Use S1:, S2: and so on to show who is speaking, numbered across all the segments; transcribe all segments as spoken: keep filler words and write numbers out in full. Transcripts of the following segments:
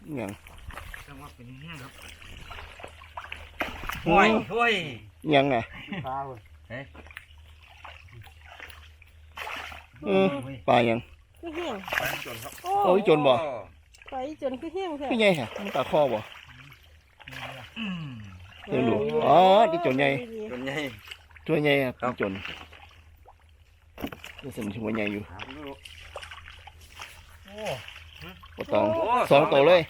S1: อย่าง
S2: จังหวะเป็นแห้งครับห้วยห้วย
S1: ยังไง
S2: ปลาเฮ้ย
S1: เออปลายัง
S3: คือเหี้ยง
S2: ปลาจนครับ
S1: โอ้ยจนบ่
S3: ไปจนคือเหี้ยงแท้
S1: คือไงฮะมันปลาคอบ่เดี๋ยวรู้อ๋อที่จนใหญ่
S2: จนใหญ่
S1: ตัวใหญ่ครับจนนี่สมชิมว่าใหญ่อยู่ปลาตองสองตัวเลย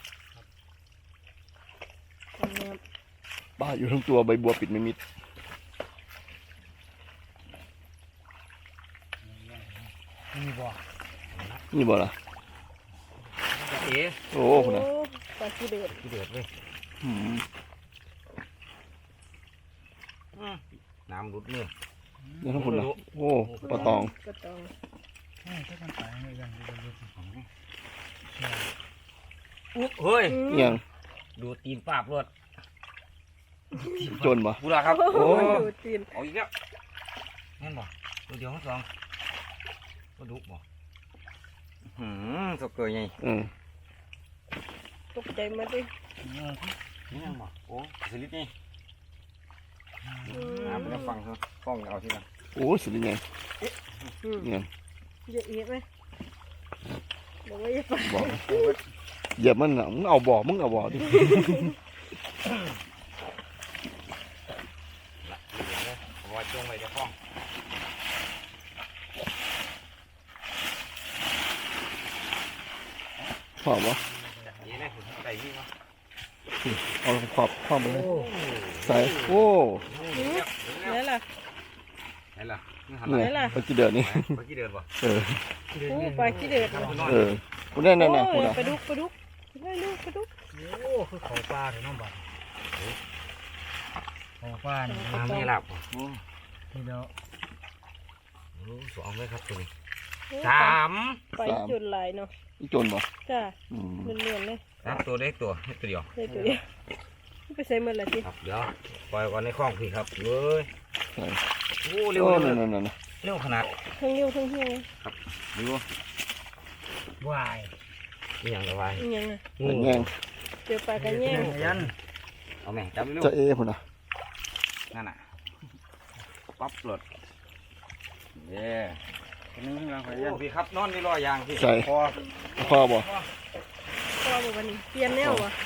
S1: ปลาอยู่ทั้งตัวใบบัวปิดไม่มิด
S2: นี่บ่
S1: นี่บ่ล่ะ
S2: เอ๋
S1: โอ้คนน่ะ
S3: ปลาขี้เดือด
S2: ขี้เดือดเลยน้ำรุดเนื้อ
S1: นี่ทั้งคนน่ะโอ้ปลาตอง
S3: ปลาตอง
S2: เฮ้ย
S1: ยัง
S2: ดูตีนปาบรวด
S1: จนบ่
S2: บุระครับ
S3: โอ้ดูตีน
S2: เอาอีกแล้วแม่นบ่ตัวเดียวทั้งสองก็ดุบ่หืมสกเกยไง
S1: อืม
S3: ตกใจมาดิ
S2: นี่ยังบ่โอ้สลิดนี่น้ำเป็นฟังครับฟ้องเอาที่นั่น
S1: โอ้สุดยังไงเนี่ย
S3: เยอะแยะไหมบอกว่าอย่าไป
S1: บอกเหยียบมันอ่ะมึงเอาบ่อมึงเอาบ่อดิ
S2: ว่าจงไว้จะฟ้อง
S1: ขอบวะ
S2: นี่เลยใส่ที่วะ
S1: เอาขอบขอบไปเลยใส่โอ้
S3: นี่ล่ะ
S2: นี่ล่ะ
S1: นี่ล่ะปลาขี้เดือดนี่
S2: ปลาขี้เดือดวะ
S1: เออ
S3: โอ้ปลาขี้เดือด
S1: เออคุณได้นั่นน่ะ
S3: คุณปลาดุกปลาดุกได้ลูกปลาดุก
S2: โอ้คือเขาปลาถึงน้องบัดเขาปลาน้ำไม่หลับโอ้ทีเดียวสองเลยครับตัวนี้สาม
S3: ไปจุดไหลเนาะ
S1: อีจนบ่
S3: จ้าเลื่อนๆเลย
S2: ครับตัวเล็กตัวตัวเดียว
S3: เล็กตัวเดียวไปใส่เมื่อไรสิ
S2: ครับเดี๋ยวปล่อยก่อนในคลองพี่ครับเว้ยโอ้เร็ว
S1: เร็ว
S2: เร็วขนาด
S3: ทั้งเร็วทั้งเฮี้ยง
S2: ครับดูวายนี่ยังวาย
S3: นี่ยังไง
S1: งูแง่ง
S3: เจอปลากระแง่ง
S2: ยันเอาแม่จับเร็ว
S1: จะเอพุ่นน่ะ
S2: นั่นน่ะปั๊บหลดเย่นี่เราไปยันพี่ครับนอนนี่รอยางพี่
S1: ใส่
S2: พอ
S1: พอบ่
S3: พอบ่วันนี้เปลี่ยนแนววะ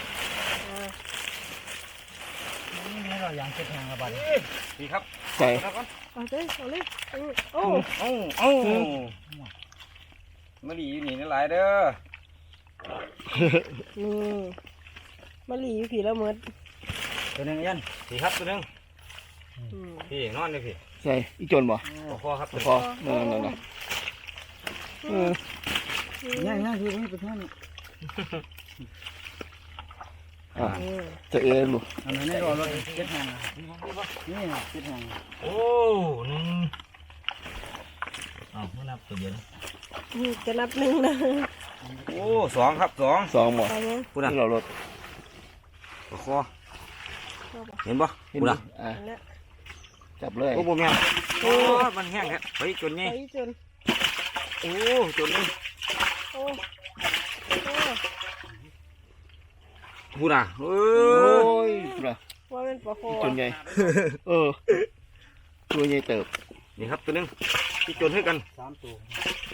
S2: นี่รอยางเช็ดแห้งกระบาดพี่ครับ
S1: ใส่
S3: เอาเลยเอาเลยโอ้
S2: โอ้โอ้มาดีอยู่นี่นี่หลายเด้อ
S3: นี่มาหลีอยู่ผีละเมิด
S2: ตัวนึงยันพี่ครับตัวนึงพี่นอนเลยพี่
S1: ใส่อีจนบ่
S2: พอครับ
S1: พอนั่นนั่นนั่น
S2: ย่างย่างคือไม่เป็นท่าน
S1: อ่าจะเอลูก
S2: อันนี้รอรถเจ็ดแห่งนี่เจ็ดแห่งโอ้หนึ่งอ้าวไม่นับตัวเดียว
S3: จะนับหนึ่งนะ
S2: โอ้สองครับสอง
S1: สองบ่
S2: พูดนะ
S1: เรารถ
S2: คอเห็นบ่พูดนะ
S1: จับเลย
S2: โอ้โหแม่โอ้มันแห้งครับไปจนนี่
S3: ไปจน
S2: โอ้จนนี่
S3: โอ้
S2: พูดนะโอ้
S1: ยพูดนะ
S3: ว่าเป็นปลาโค
S1: จนใหญ่เออตัวใหญ่เติบ
S2: นี่ครับตัวนึงที่จนให้กันสามตัว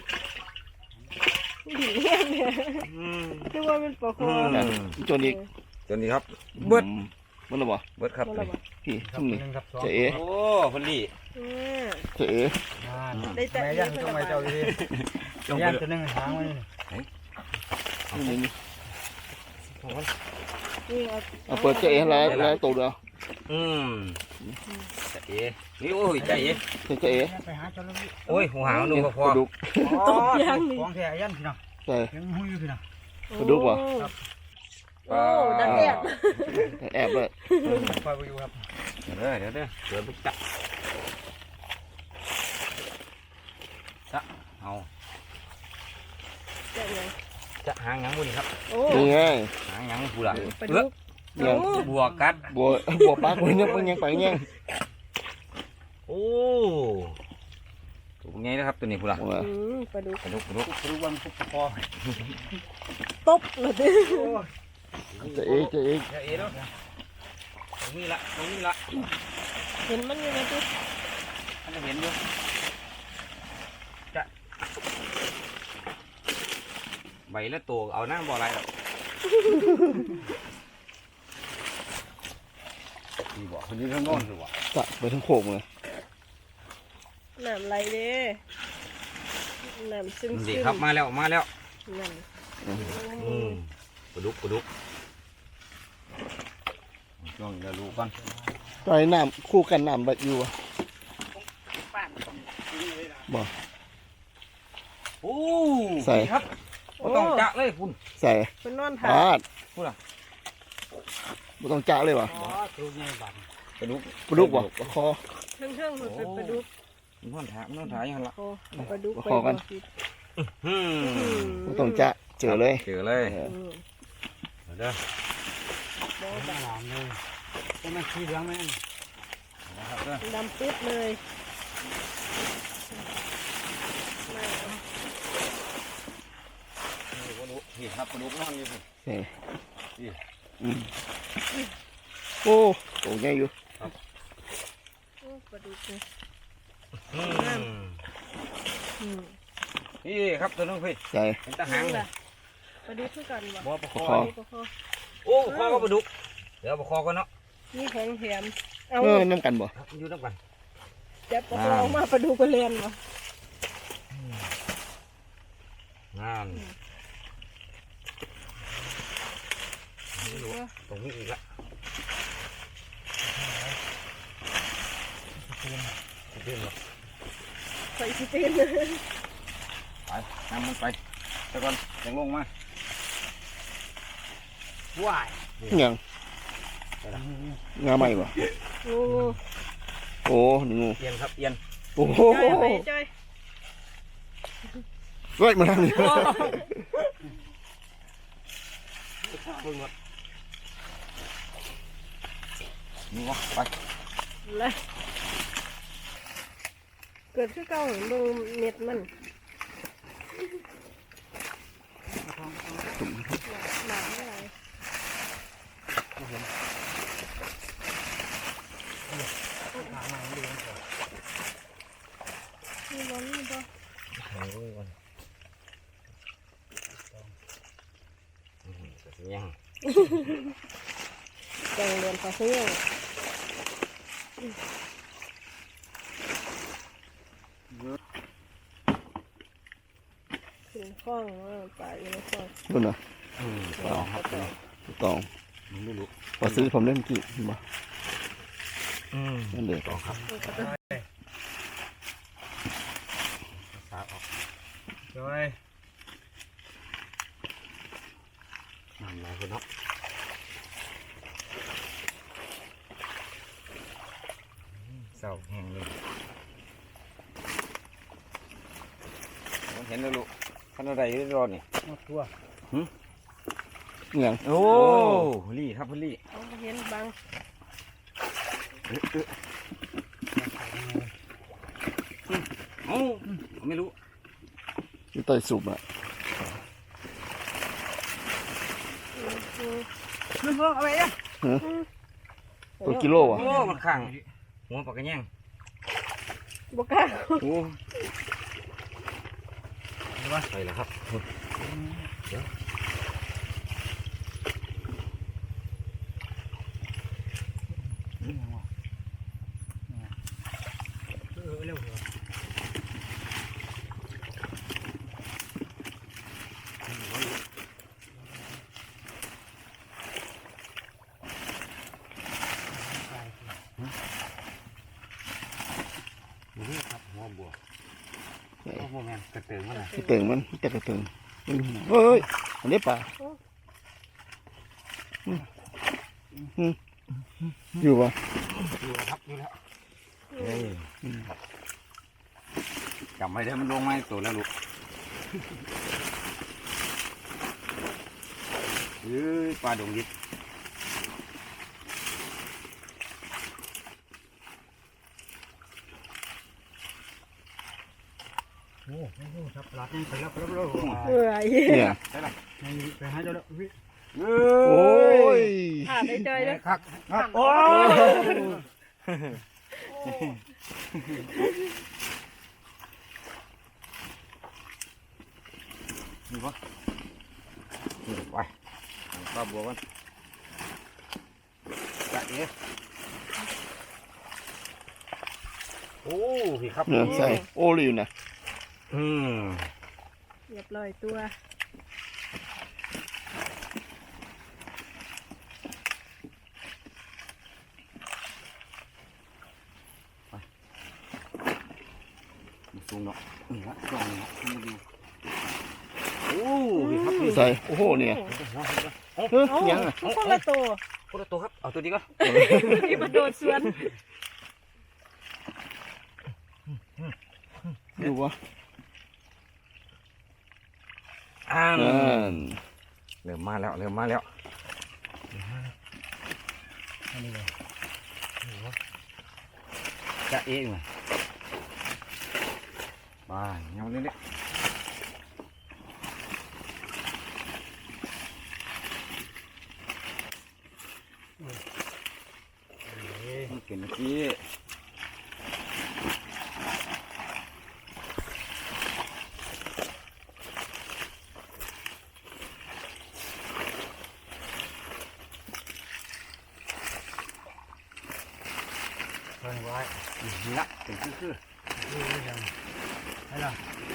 S3: ดีเนี่ยคือว่าเป็นปลาโค
S1: จนอีก
S2: จนอีกครับเบิด
S1: เบิดหรือเปล่า
S2: เบิดครับ
S1: พี่ทุ่มนี่จะเอ
S2: โอ้คนดี
S1: จะเอ
S3: ได้แต่
S2: ยันทำไมเจ้าดียันตัวนึงหางไว้
S1: นี่นี่
S3: นี่
S1: เอาเปิดจะเอแล้วแล้วตัวเดียว
S2: อืมจะเอนี่โอ้ยจะเอ
S1: จะเอ
S2: โอ้ยหัวหางดูพอ
S1: ดุก
S3: ตกยังนี่
S2: ของแท้ยันพี่น้อง
S1: ใช่
S2: ยังหุ้ยอยู่พี่น้อง
S1: ดุกวะ
S3: โอ้ดักแอบ
S1: แอบเลย
S2: คอยไปอยู่ครับเดี๋ยวเดี๋ยวเดี๋ยวเดี๋ยวจับจะเอา
S3: จะยัง
S2: จะหางยังบุญครับ
S1: นี่ไง
S2: หางยังบุญละ
S3: เลือก
S1: ยัง
S2: บัวกัด
S1: บัวบัวปลาคนนี้มันยังไปยัง
S2: โอ้ถูกไงนะครับตัวนี้บุญละ
S3: ปลาดุก
S2: ปลาดุกปลาดุกปลาดุกวันพุกพอ
S3: ตบเลยดิ
S1: จะเอกจะเอก
S2: จะเอ๋แล้วตรงนี้ละตรงนี้ละ
S3: เห็นมันอยู่ไหมตุ๊
S2: ท่านจะเห็นอยู่จะใบละตัวเอาหน้าบ่ออะไรหรอกนี่บ่คนนี้ข้างโน้นหรือวะ
S1: จะไปทั้งโขกเลย
S3: น้ำไหลเด้น้ำซึม
S2: ดี
S3: ซึม
S2: ครับมาแล้วมาแล้ว
S3: นั่น
S2: อืมปลาดุกปลาดุกช่วงนี้เรารู้ก่อน
S1: ตอนน้ำคู่กันน้ำแบบอยู่อะบ่
S2: โอ้
S1: ใส่
S2: ครับบ่ต้องจะเลยคุณ
S1: ใส่
S3: เป็นนอน
S1: ป
S3: ถ่า
S1: าด
S2: พูดอ่ะ
S1: บ่ต้องจ้าเลยวะ
S2: ปลาดุก
S1: ปลาดุกบ่ปลาคอ
S3: เครื่องเครื่องมันเป็นปลาดุก
S2: มันนอนถ่ายมันนอนถ่ายอยังละ
S3: โอ้ปลาดุกไป
S1: ขอกัน
S3: บ่ผิด
S2: อืม
S1: บ่ต้องจ้าเจอเลย
S2: เจอเลย
S1: เออ
S3: อืม
S2: เด้อ
S3: บ่ด
S4: หลามเลยก็มันขี้เหลืองไหม
S2: นะครับเด้อ
S3: ำดำปึ๊ดเลยไม่เอา
S2: นี่ปลาดุกนี่ครับปลาดุกนอนอยู่สิ
S1: ใส่
S2: นี่
S1: อืมโอ้โหใหญ่อยู่
S3: โอ้ปลาดุกเลย
S2: อืม
S3: อืม
S2: นี่ครับตัวนึงพี่
S1: ใส่
S2: เป็นตาหางเลย
S3: ปลาดุกคือกันบ่
S2: บ่ปลาค
S1: ปลา
S2: อ
S1: คอ
S3: ปลาคอ
S2: โอ้ปลาคอก็ปลาดุกเดี๋ยวปลาคอก็เนาะ
S3: นี่ของแถมเอา
S1: เออน้ำกันบ่
S2: ครับอยู่น้ำกัน
S3: จับปลาคอออกมาปลาดุกก็เรียนบ่
S2: งานตรงนี้อีกละเต็มเลย
S3: ใส่สตีนเลย
S2: ไปนำมันไปตะก่อนยังลงมา
S4: ว้าย
S1: ยังงาใหม่บ่
S3: งูงู
S1: โอ้นี่งู
S2: เอียนครับเอียน
S1: โอ้โห
S3: จ้อยไปจ้อย
S1: เฮ้ยมาทางนี้
S2: เบิ่งหมดนี่วะไป
S3: เลยเกิดขึ้นเก่าเห็นเบิ่งเม็ดมันหนาอะไรนี่บอลนี่บอล
S2: โอ้ยวันยัง
S3: แกงเรียนภาษาเรื่องขึ้นข้องว่าปลาอยู่ในข้อง
S1: นู่นน่ะ
S2: อืมต่อครับ
S1: ตอง
S2: ไม่รู้
S1: พอซื้อผมเล่นกี่บ่
S2: อืม
S1: นั่นเด็ก
S2: ต่อครับ
S4: สาออกจอย
S2: นั่นแหละคุณเนาะเศร้าแห้งเลยเห็นแล้วลูกขนาดใดรอนี่
S4: หมดตัว
S1: ยัง
S2: โอ้ลี่ครับลี่
S3: เอาเห็นบาง
S2: โอ้ไม่รู้
S1: อยู่ใต้สุบอ่ะ
S4: นึกว่าอะไรอ่ะ
S1: ตัวกิโลอ่ะ
S2: โอ้มันขังหัวปากกระแยง
S3: บกล้า
S2: โอ้ไปแล้วครับเดี๋ยว
S4: เออเร็วเหรอนี่ครับหัวบัวหัวบัวแมนกระเติงมันนะ
S1: กระเติงมันจะกระเติงอืมเฮ้ยอันนี้ปลาอืมอืมอยู่ปะ
S4: ดูครับดูแล้ว
S2: เฮ้ยจำไว้ได้มันลงมาตัวแล้วลูกเฮ้ยปลาดงยิด
S4: โอ้โหครับหลับยังไปแล้วไปแล้วไปแล้ว
S3: เมื่อย
S1: เนี่ย
S2: ใช่ไหม
S4: ไปหาเจ้าแล้ววิ
S2: เฮ้
S1: โอ้
S2: ย
S1: ย
S3: ผ่านได้จอยเลย
S2: ครับครับโอ้นี่ปะนี่ไปปลาบัวกันจัดเอ๋โอ้พี่ครับ
S1: เนี่ยใส่โอลิวนะ
S2: อืม
S3: เรียบร้อยตัว
S2: สูงเนาะนี่ละลองเนาะมาดูโอ้พี่ครับพี่
S1: ใส่โอ้โหเนี่ยเฮ้ย
S3: โอ้
S1: ยังอ่ะ
S3: ทุกคนละตัว
S2: คนละตัวครับเอาตัวนี้ก็
S3: ที่มาโดดสวน
S1: ดูวะ
S2: อ่า
S1: นั่น
S2: เริ่มมาแล้วเริ่มมาแล้วจะเองมาบ้าเงาเนี่ยมันเกินเมื่อกี้ไว้ไว้นี่ละเป็นคือคือให้ละ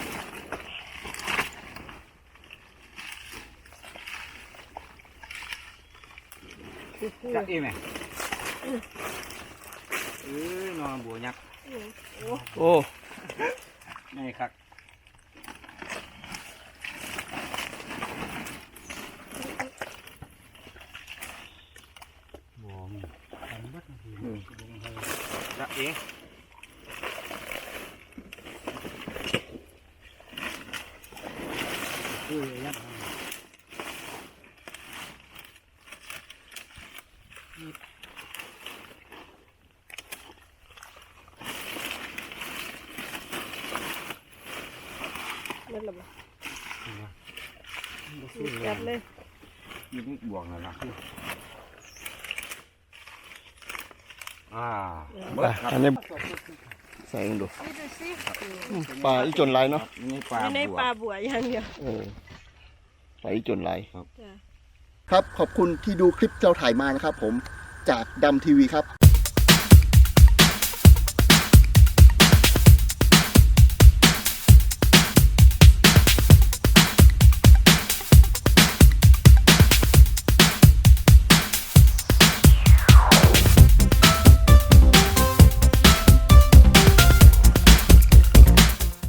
S2: จะเองไหมเออนอนบัวยักษ์
S1: โอ้
S2: นี่ครับบัวมีจะเองคือยักษ์
S3: นั่นแหละบ่จัดเลย
S2: นี่นี่บวกนั่นละอ่า
S1: ไปอันนี้ใส่กันดู
S3: นี่ดูสิ
S1: ปลาอีจนลายเนาะ
S2: นี่ปลา
S3: ไม่ใน
S2: บัว
S3: ปลาบัวอย่างเดียว
S1: เออปลาอีจนลาย
S3: จ้ะ
S1: ครับขอบคุณที่ดูคลิปเราถ่ายมานะครับผมจากดำทีวีครับ